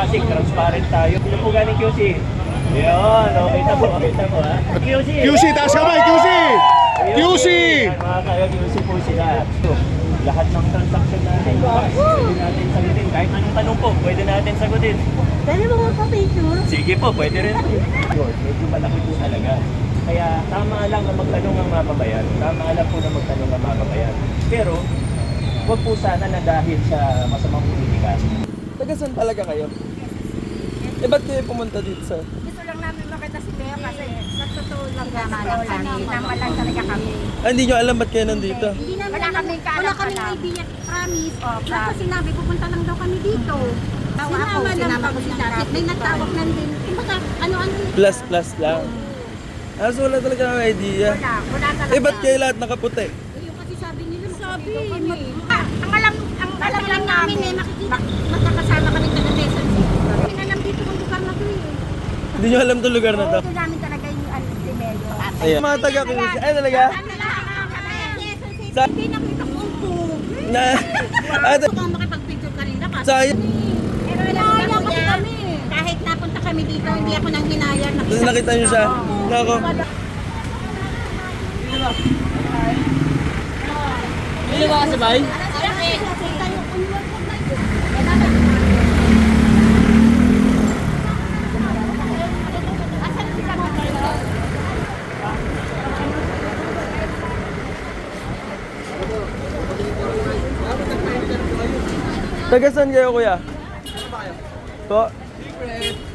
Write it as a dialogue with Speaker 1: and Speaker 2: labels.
Speaker 1: plastic, transparent tayo. Sino po galing QC? Yun, okay na po, ha. QC!
Speaker 2: QC, taas kamay, QC! QC!
Speaker 1: Yan, mga kayo, QC po sila. So, lahat ng transaction natin, pwede natin sagutin. Kahit anong tanong po, pwede natin sagutin.
Speaker 3: Pwede mo magpa-picture?
Speaker 1: Sige po, pwede rin. Medyo malaki po talaga. Kaya tama lang na magtanong ang mamamayan. Tama lang po na magtanong ang mamamayan. Pero, huwag po sana na dahil sa masamang politika.
Speaker 4: Taga saan talaga kayo? Eh, ba't kayo pumunta dito, sir?
Speaker 3: Gusto lang namin makita si Leo kasi nagtotoo lang kami. Tama lang talaga kami.
Speaker 4: Ah, hindi nyo alam ba't kayo nandito?
Speaker 3: Hindi namin wala kaming idea, promise. Tapos sinabi, pupunta lang daw kami dito. Sinama ko si Dasit. May natawag nan din. Kumbaga, ano-ano.
Speaker 4: Plus lang. Ah, so wala talaga ang idea.
Speaker 3: Wala talaga.
Speaker 4: Eh, ba't kayo lahat nakaputi?
Speaker 3: Yung kasi sabi nila, ang alam lang namin eh, makakasama kami sa Quezon City. Hindi alam dito kung lugar na to eh.
Speaker 4: Hindi nyo alam itong lugar na to?
Speaker 3: Ito namin talaga yung si Melo.
Speaker 4: Ayan. Mga taga Quezon. Ay, talaga? Sa-
Speaker 3: Hindi nakita ko po.
Speaker 4: Na... Ate,
Speaker 3: Gusto ko makipag-picture kanina kasi.
Speaker 4: sayang.
Speaker 3: Pero hinayang ko kami. Kahit napunta kami dito, hindi ako nang hinayang.
Speaker 4: Tapos nakita nyo siya. Nako.
Speaker 5: Hindi ba kasabay?
Speaker 4: Taga saan kayo, kuya? Po?